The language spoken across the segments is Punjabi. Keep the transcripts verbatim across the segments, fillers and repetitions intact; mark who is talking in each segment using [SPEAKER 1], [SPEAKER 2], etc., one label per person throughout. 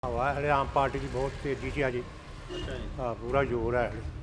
[SPEAKER 1] ਹਵਾ ਹਲੇ ਆਮ ਪਾਰਟੀ ਦੀ ਬਹੁਤ ਤੇਜ਼ੀ 'ਚ ਆ ਜੀ।
[SPEAKER 2] ਅੱਛਾ ਜੀ।
[SPEAKER 1] ਹਾਂ ਪੂਰਾ ਜ਼ੋਰ ਹੈ ਹਲੇ।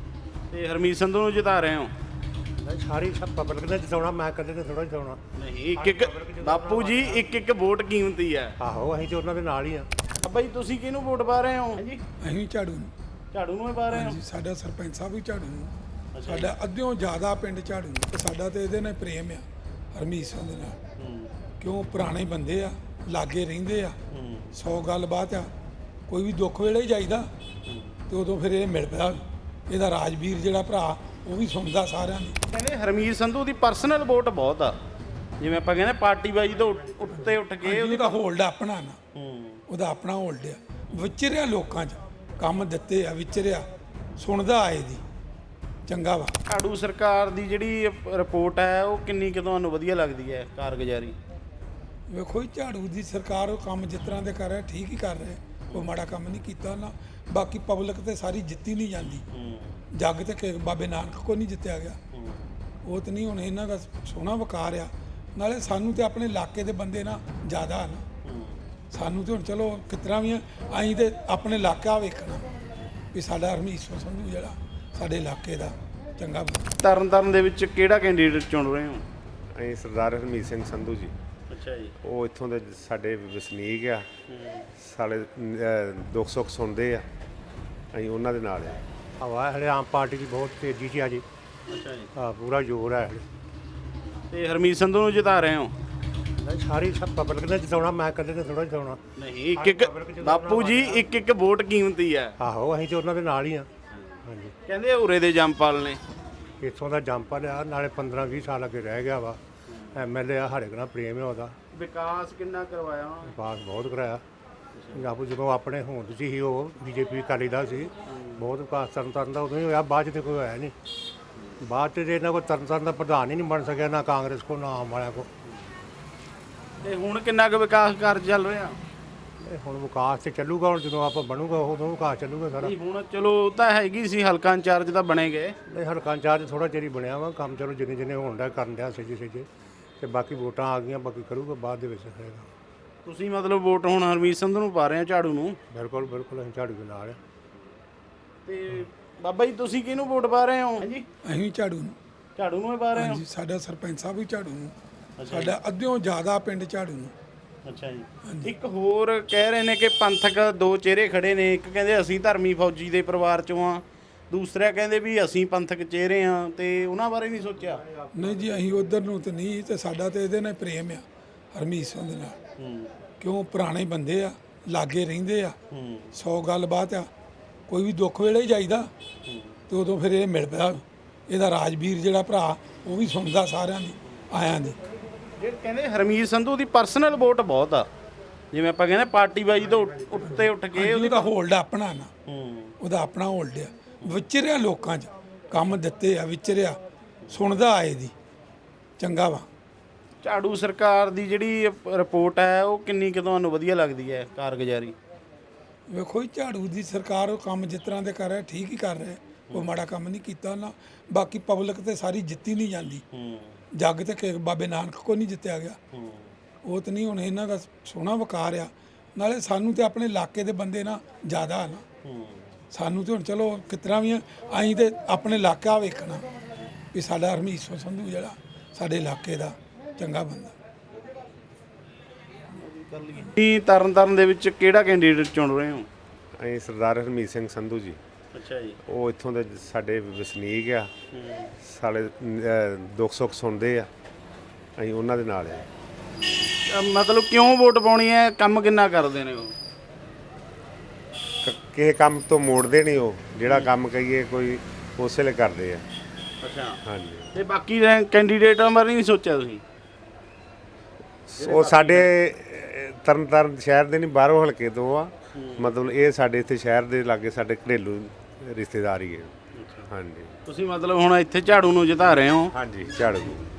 [SPEAKER 2] ਤੇ ਹਰਮੀਤ ਸੰਧੂ ਨੂੰ ਜਿਤਾ ਰਹੇ ਹੋ?
[SPEAKER 1] ਨਹੀਂ, ਸਾਰੀ ਸਭ ਪਬਲਿਕ ਨੇ ਜਿਤਾਉਣਾ, ਮੈਂ ਇਕੱਲੇ ਨੇ ਥੋੜਾ ਜਿਤਾਉਣਾ।
[SPEAKER 2] ਨਹੀਂ, ਇੱਕ ਇੱਕ ਬਾਪੂ ਜੀ ਇੱਕ ਇੱਕ ਵੋਟ ਕੀਮਤੀ ਹੈ।
[SPEAKER 1] ਆਹੋ ਅਸੀਂ ਤੇ ਉਹਨਾਂ ਦੇ ਨਾਲ ਹੀ ਆ।
[SPEAKER 2] ਬਾਬਾ ਜੀ ਤੁਸੀਂ ਕਿਹਨੂੰ ਵੋਟ ਪਾ ਰਹੇ ਹੋ? ਹਾਂਜੀ,
[SPEAKER 3] ਅਸੀਂ ਝਾੜੂ ਨੂੰ।
[SPEAKER 2] ਝਾੜੂ ਨੂੰ ਹੀ ਪਾ ਰਹੇ ਹੋ?
[SPEAKER 3] ਹਾਂਜੀ, ਸਾਡਾ ਸਰਪੰਚ ਸਾਹਿਬ ਵੀ ਝਾੜੂ ਨੂੰ। ਸਾਡਾ ਅੱਧਿਓਂ ਜ਼ਿਆਦਾ ਪਿੰਡ ਝਾੜੂ ਨੂੰ। ਤੇ ਸਾਡਾ ਤੇ ਇਹਦੇ ਨਾਲ ਪ੍ਰੇਮ ਆ, ਹਰਮੀਤ ਸਿੰਘ ਦੇ ਨਾਲ। ਕਿਉਂ ਪੁਰਾਣੇ ਬੰਦੇ ਆ, ਲਾਗੇ ਰਹਿੰਦੇ ਆ, ਸੌ ਗੱਲਬਾਤ ਆ। ਕੋਈ ਵੀ ਦੁੱਖ ਵੇਲੇ ਹੀ ਜਾਈਦਾ ਤੇ ਉਦੋਂ ਫਿਰ ਇਹ ਮਿਲ ਪਿਆ। ਇਹਦਾ ਰਾਜਵੀਰ ਜਿਹੜਾ ਭਰਾ ਉਹ ਵੀ ਸੁਣਦਾ ਸਾਰਿਆਂ ਦੀ।
[SPEAKER 2] ਕਹਿੰਦੇ ਹਰਮੀਤ ਸੰਧੂ ਦੀ ਪਰਸਨਲ ਵੋਟ ਬਹੁਤ ਆ, ਜਿਵੇਂ ਆਪਾਂ ਕਹਿੰਦੇ ਪਾਰਟੀ ਬਾਜੀ ਤੋਂ ਉੱਤੇ ਉੱਠ ਕੇ
[SPEAKER 3] ਉਹਦਾ ਹੋਲਡ ਆਪਣਾ ਨਾ,
[SPEAKER 2] ਹੂੰ
[SPEAKER 3] ਉਹਦਾ ਆਪਣਾ ਹੋਲਡ ਆ। ਵਿਚਰਿਆ ਲੋਕਾਂ 'ਚ, ਕੰਮ ਦਿੱਤੇ ਆ, ਵਿਚਰਿਆ, ਸੁਣਦਾ ਆਏ ਦੀ ਚੰਗਾ ਵਾ।
[SPEAKER 2] ਝਾੜੂ ਸਰਕਾਰ ਦੀ ਜਿਹੜੀ ਰਿਪੋਰਟ ਹੈ ਉਹ ਕਿੰਨੀ ਕੁ ਤੁਹਾਨੂੰ ਵਧੀਆ ਲੱਗਦੀ ਹੈ, ਕਾਰਗੁਜ਼ਾਰੀ?
[SPEAKER 3] ਵੇਖੋ ਜੀ, ਝਾੜੂ ਦੀ ਸਰਕਾਰ ਉਹ ਕੰਮ ਜਿਸ ਤਰ੍ਹਾਂ ਦੇ ਕਰ ਰਿਹਾ ਠੀਕ ਹੀ ਕਰ ਰਿਹਾ, ਕੋਈ ਮਾੜਾ ਕੰਮ ਨਹੀਂ ਕੀਤਾ ਨਾ। ਬਾਕੀ ਪਬਲਿਕ ਤੇ ਸਾਰੀ ਜਿੱਤੀ ਨਹੀਂ ਜਾਂਦੀ। ਜੱਗ ਤੇ ਕਿ ਬਾਬੇ ਨਾਨਕ ਕੋ ਨਹੀਂ ਜਿੱਤਿਆ ਗਿਆ, ਉਹ ਤਾਂ ਨਹੀਂ। ਹੁਣ ਇਹਨਾਂ ਦਾ ਸੋਹਣਾ ਵਕਾਰ ਆ, ਨਾਲੇ ਸਾਨੂੰ ਤੇ ਆਪਣੇ ਇਲਾਕੇ ਦੇ ਬੰਦੇ ਨਾ ਜ਼ਿਆਦਾ ਨਾ। ਸਾਨੂੰ ਤੇ ਹੁਣ ਚਲੋ ਕਿਤਨਾ ਵੀ ਅਸੀਂ ਤੇ ਆਪਣੇ ਇਲਾਕਾ ਵੇਖਣਾ ਵੀ ਸਾਡਾ ਹਰਮੀਤ ਸੰਧੂ ਜਿਹੜਾ ਸਾਡੇ ਇਲਾਕੇ ਦਾ ਚੰਗਾ ਬੰਦਾ।
[SPEAKER 2] ਤਰਨ ਤਾਰਨ ਦੇ ਵਿੱਚ ਕਿਹੜਾ ਕੈਂਡੀਡੇਟ ਚੁਣ ਰਹੇ ਹੋ?
[SPEAKER 4] ਅਸੀਂ ਸਰਦਾਰ ਹਰਮੀਤ ਸਿੰਘ ਸੰਧੂ ਜੀ।
[SPEAKER 2] ਅੱਛਾ ਜੀ।
[SPEAKER 4] ਉਹ ਇੱਥੋਂ ਦੇ ਸਾਡੇ ਵਸਨੀਕ ਆ, ਸਾਡੇ ਦੁੱਖ ਸੁੱਖ ਸੁਣਦੇ ਆ, ਅਸੀਂ ਉਹਨਾਂ ਦੇ ਨਾਲ ਆ।
[SPEAKER 1] ਹਵਾ ਹਲੇ ਆਮ ਪਾਰਟੀ ਦੀ ਬਹੁਤ ਤੇਜ਼ੀ 'ਚ ਆ ਜੀ।
[SPEAKER 2] ਅੱਛਾ ਜੀ।
[SPEAKER 1] ਹਾਂ ਪੂਰਾ ਜ਼ੋਰ ਹੈ ਹਲੇ।
[SPEAKER 2] ਤੇ ਹਰਮੀਤ ਸੰਧੂ ਨੂੰ ਜਿਤਾ ਰਹੇ ਹੋ?
[SPEAKER 1] ਨਹੀਂ, ਸਾਰੀ ਸਭ ਪਬਲਿਕ ਨੇ ਜਿਤਾਉਣਾ, ਮੈਂ ਇਕੱਲੇ ਨੇ ਥੋੜਾ ਜਿਤਾਉਣਾ।
[SPEAKER 2] ਨਹੀਂ, ਇੱਕ ਇੱਕ ਬਾਪੂ ਜੀ ਇੱਕ ਇੱਕ ਵੋਟ ਕੀਮਤੀ ਹੈ।
[SPEAKER 1] ਆਹੋ ਅਸੀਂ ਤੇ ਉਹਨਾਂ ਦੇ ਨਾਲ ਹੀ ਆ। ਹਾਂਜੀ,
[SPEAKER 2] ਕਹਿੰਦੇ ਉਰੇ ਦੇ ਜੰਪਾਲ ਨੇ।
[SPEAKER 1] ਇੱਥੋਂ ਦਾ ਜੰਪ ਲਿਆ, ਨਾਲੇ ਪੰਦਰਾਂ ਵੀਹ ਸਾਲ ਅੱਗੇ ਰਹਿ ਗਿਆ ਵਾ। ਐਮ ਐਲ ਏ ਆ, ਹਰੇ ਨਾਲ ਪ੍ਰੇਮ ਹੈ ਉਹਦਾ।
[SPEAKER 2] ਵਿਕਾਸ ਕਿੰਨਾ ਕਰਵਾਇਆ ਉਹਨਾਂ ਨੇ?
[SPEAKER 1] ਵਿਕਾਸ ਬਹੁਤ ਕਰਾਇਆ। ਪੰਜਾਬ ਜਦੋਂ ਆਪਣੇ ਹੋਂਦ 'ਚ ਸੀ, ਉਹ ਬੀਜੇਪੀ ਅਕਾਲੀ ਦਾ ਸੀ, ਬਹੁਤ ਵਿਕਾਸ ਤਰਨ ਤਾਰਨ ਦਾ ਉਦੋਂ ਹੀ ਹੋਇਆ। ਬਾਅਦ 'ਚ ਤੇ ਕੋਈ ਹੋਇਆ ਨਹੀਂ। ਬਾਅਦ 'ਚ ਇਹਨਾਂ ਕੋਲ ਤਰਨ ਤਾਰਨ ਦਾ ਪ੍ਰਧਾਨ ਹੀ ਨਹੀਂ ਬਣ ਸਕਿਆ, ਨਾ ਕਾਂਗਰਸ ਕੋ ਨਾ ਆਮ ਵਾਲਿਆਂ ਕੋ।
[SPEAKER 2] ਤੇ ਹੁਣ ਕਿੰਨਾ ਕੁ ਵਿਕਾਸ ਕਰ ਚੱਲ ਰਿਹਾ?
[SPEAKER 1] ਇਹ ਹੁਣ ਵਿਕਾਸ ਤੇ ਚੱਲੂਗਾ, ਹੁਣ ਜਦੋਂ ਆਪਾਂ ਬਣੂਗਾ ਉਦੋਂ ਵਿਕਾਸ ਚੱਲੂਗਾ ਸਾਰਾ।
[SPEAKER 2] ਨਹੀਂ, ਹੁਣ ਚਲੋ ਉਹ ਤਾਂ ਹੈਗੀ ਸੀ, ਹਲਕਾ ਇੰਚਾਰਜ ਤਾਂ ਬਣੇ ਗਏ।
[SPEAKER 1] ਇਹ ਹਲਕਾ ਇੰਚਾਰਜ ਥੋੜਾ ਚਿਰ ਹੀ ਬਣਿਆ ਵਾ, ਕੰਮ ਚਲੋ ਜਿੰਨੇ ਜਿੰਨੇ ਹੋਣ ਦਾ ਕਰਨ ਡਿਆ ਸੱਜੇ ਸੱਜੇ। ਤੇ ਬਾਕੀ ਵੋਟਾਂ ਆ ਗਈਆਂ, ਬਾਕੀ ਕਰੂਗਾ ਬਾਅਦ ਦੇ ਵਿੱਚ ਹੋਏਗਾ।
[SPEAKER 2] ਤੁਸੀਂ ਮਤਲਬ ਵੋਟ ਹੁਣ ਹਰਮੀਤ ਸੰਧੂ ਨੂੰ ਪਾ ਰਹੇ ਹੋ, ਝਾੜੂ ਨੂੰ?
[SPEAKER 1] ਬਿਲਕੁਲ ਬਿਲਕੁਲ ਅਸੀਂ ਝਾੜੂ ਦੇ ਨਾਲ ਆ।
[SPEAKER 2] ਤੇ ਬਾਬਾ ਜੀ ਤੁਸੀਂ ਕਿਹਨੂੰ ਵੋਟ ਪਾ ਰਹੇ ਹੋ? ਹਾਂਜੀ,
[SPEAKER 3] ਅਸੀਂ ਝਾੜੂ ਨੂੰ।
[SPEAKER 2] ਝਾੜੂ ਨੂੰ ਹੀ ਪਾ ਰਹੇ ਹੋ?
[SPEAKER 3] ਹਾਂਜੀ, ਸਾਡਾ ਸਰਪੰਚ ਸਾਹਿਬ ਵੀ ਝਾੜੂ ਨੂੰ। ਸਾਡਾ ਅੱਧਿਓਂ ਜ਼ਿਆਦਾ ਪਿੰਡ ਝਾੜੂ ਨੂੰ।
[SPEAKER 2] ਅੱਛਾ ਜੀ। ਇੱਕ ਹੋਰ ਕਹਿ ਰਹੇ ਨੇ ਕਿ ਪੰਥਕ ਦੋ ਚਿਹਰੇ ਖੜੇ ਨੇ। ਇੱਕ ਕਹਿੰਦੇ ਅਸੀਂ ਧਰਮੀ ਫੌਜੀ ਦੇ ਪਰਿਵਾਰ ਚੋਂ ਆ, ਦੂਸਰਾ ਕਹਿੰਦੇ ਵੀ ਅਸੀਂ ਪੰਥਕ ਚਿਹਰੇ ਆ। ਤੇ ਉਹਨਾਂ ਬਾਰੇ ਨਹੀਂ ਸੋਚਿਆ?
[SPEAKER 3] ਨਹੀਂ ਜੀ, ਅਸੀਂ ਉਧਰ ਨੂੰ ਤੇ ਨਹੀਂ। ਤੇ ਸਾਡਾ ਤੇ ਇਹਦੇ ਨਾਲ ਪ੍ਰੇਮ ਆ, ਹਰਮੀਤ ਸਿੰਘ ਦੇ ਨਾਲ। ਕਿਉਂ ਪੁਰਾਣੇ ਬੰਦੇ ਆ, ਲਾਗੇ ਰਹਿੰਦੇ ਆ, ਸੌ ਗੱਲਬਾਤ ਆ। ਕੋਈ ਵੀ ਦੁੱਖ ਵੇਲੇ ਹੀ ਜਾਈਦਾ ਤੇ ਉਦੋਂ ਫਿਰ ਇਹ ਮਿਲ ਪਿਆ। ਇਹਦਾ ਰਾਜਵੀਰ ਜਿਹੜਾ ਭਰਾ ਉਹ ਵੀ ਸੁਣਦਾ ਸਾਰਿਆਂ ਦੀ, ਆਇਆਂ ਦੀ।
[SPEAKER 2] ਜੇ ਕਹਿੰਦੇ ਹਰਮੀਤ ਸੰਧੂ ਦੀ ਪਰਸਨਲ ਵੋਟ ਬਹੁਤ ਆ, ਜਿਵੇਂ ਆਪਾਂ ਕਹਿੰਦੇ ਪਾਰਟੀ ਬਾਜੀ ਤੋਂ ਉੱਤੇ ਉੱਠ ਕੇ
[SPEAKER 3] ਉਹਦਾ ਹੋਲਡ ਆਪਣਾ ਨਾ,
[SPEAKER 2] ਹੂੰ
[SPEAKER 3] ਉਹਦਾ ਆਪਣਾ ਹੋਲਡ ਆ। ਵਿਚਰਿਆ ਲੋਕਾਂ 'ਚ, ਕੰਮ ਦਿੱਤੇ ਆ, ਵਿਚਰਿਆ, ਸੁਣਦਾ ਆਏ ਦੀ ਚੰਗਾ ਵਾ।
[SPEAKER 2] ਝਾੜੂ ਸਰਕਾਰ ਦੀ ਜਿਹੜੀ ਰਿਪੋਰਟ ਹੈ ਉਹ ਕਿੰਨੀ ਕੁ ਤੁਹਾਨੂੰ ਵਧੀਆ ਲੱਗਦੀ ਹੈ, ਕਾਰਗੁਜ਼ਾਰੀ?
[SPEAKER 3] ਵੇਖੋ ਜੀ, ਝਾੜੂ ਦੀ ਸਰਕਾਰ ਉਹ ਕੰਮ ਜਿਸ ਤਰ੍ਹਾਂ ਦੇ ਕਰ ਰਿਹਾ ਠੀਕ ਹੀ ਕਰ ਰਿਹਾ, ਕੋਈ ਮਾੜਾ ਕੰਮ ਨਹੀਂ ਕੀਤਾ ਨਾ। ਬਾਕੀ ਪਬਲਿਕ ਤੇ ਸਾਰੀ ਜਿੱਤੀ ਨਹੀਂ ਜਾਂਦੀ। ਜੱਗ ਤੇ ਕਿ ਬਾਬੇ ਨਾਨਕ ਕੋ ਨਹੀਂ ਜਿੱਤਿਆ ਗਿਆ, ਉਹ ਤਾਂ ਨਹੀਂ। ਹੁਣ ਇਹਨਾਂ ਦਾ ਸੋਹਣਾ ਵਕਾਰ ਆ, ਨਾਲੇ ਸਾਨੂੰ ਤੇ ਆਪਣੇ ਇਲਾਕੇ ਦੇ ਬੰਦੇ ਨਾ ਜ਼ਿਆਦਾ ਨਾ। ਸਾਨੂੰ ਤੇ ਹੁਣ ਚਲੋ ਕਿਤਨਾ ਵੀ ਅਸੀਂ ਤੇ ਆਪਣੇ ਇਲਾਕਾ ਵੇਖਣਾ ਵੀ ਸਾਡਾ ਹਰਮੀਤ ਸੰਧੂ ਜਿਹੜਾ ਸਾਡੇ ਇਲਾਕੇ ਦਾ ਚੰਗਾ ਬੰਦਾ।
[SPEAKER 2] ਕੀ ਤਰਨ ਤਾਰਨ ਦੇ ਵਿੱਚ ਕਿਹੜਾ ਕੈਂਡੀਡੇਟ ਚੁਣ ਰਹੇ ਹੋ?
[SPEAKER 4] ਅਸੀਂ ਸਰਦਾਰ ਹਰਮੀਤ ਸਿੰਘ ਸੰਧੂ ਜੀ।
[SPEAKER 2] ਅੱਛਾ ਜੀ।
[SPEAKER 4] ਉਹ ਇੱਥੋਂ ਦੇ ਸਾਡੇ ਵਸਨੀਕ ਆ, ਸਾਡੇ ਦੁੱਖ ਸੁੱਖ ਸੁਣਦੇ ਆ, ਅਸੀਂ ਉਹਨਾਂ ਦੇ ਨਾਲ ਆ।
[SPEAKER 2] ਮਤਲਬ ਕਿਉਂ ਵੋਟ ਪਾਉਣੀ ਹੈ? ਕੰਮ ਕਿੰਨਾ ਕਰਦੇ ਨੇ ਉਹ?
[SPEAKER 4] ਕ- ਕਿਸੇ ਕੰਮ ਤੋਂ ਮੋੜਦੇ ਨਹੀਂ ਉਹ, ਜਿਹੜਾ ਕੰਮ ਕਹੀਏ ਕੋਈ ਉਸੇ ਲਈ ਕਰਦੇ ਆ।
[SPEAKER 2] ਅੱਛਾ।
[SPEAKER 4] ਹਾਂਜੀ,
[SPEAKER 2] ਤੇ ਬਾਕੀ ਕੈਂਡੀਡੇਟਾਂ ਬਾਰੇ ਨਹੀਂ ਸੋਚਿਆ ਤੁਸੀਂ?
[SPEAKER 4] ਉਹ ਸਾਡੇ ਤਰਨ ਤਾਰਨ ਸ਼ਹਿਰ ਦੇ ਨਹੀਂ, ਬਾਹਰੋਂ ਹਲਕੇ ਤੋਂ ਆ। ਮਤਲਬ ਇਹ ਸਾਡੇ ਇੱਥੇ ਸ਼ਹਿਰ ਦੇ ਲਾਗੇ ਸਾਡੇ ਘਰੇਲੂ ਰਿਸ਼ਤੇਦਾਰ ਹੀ ਹੈ। ਹਾਂਜੀ।
[SPEAKER 2] ਤੁਸੀਂ ਮਤਲਬ ਹੁਣ ਇੱਥੇ ਝਾੜੂ ਨੂੰ ਜਿਤਾ ਰਹੇ ਹੋ?
[SPEAKER 4] ਹਾਂਜੀ, ਝਾੜੂ।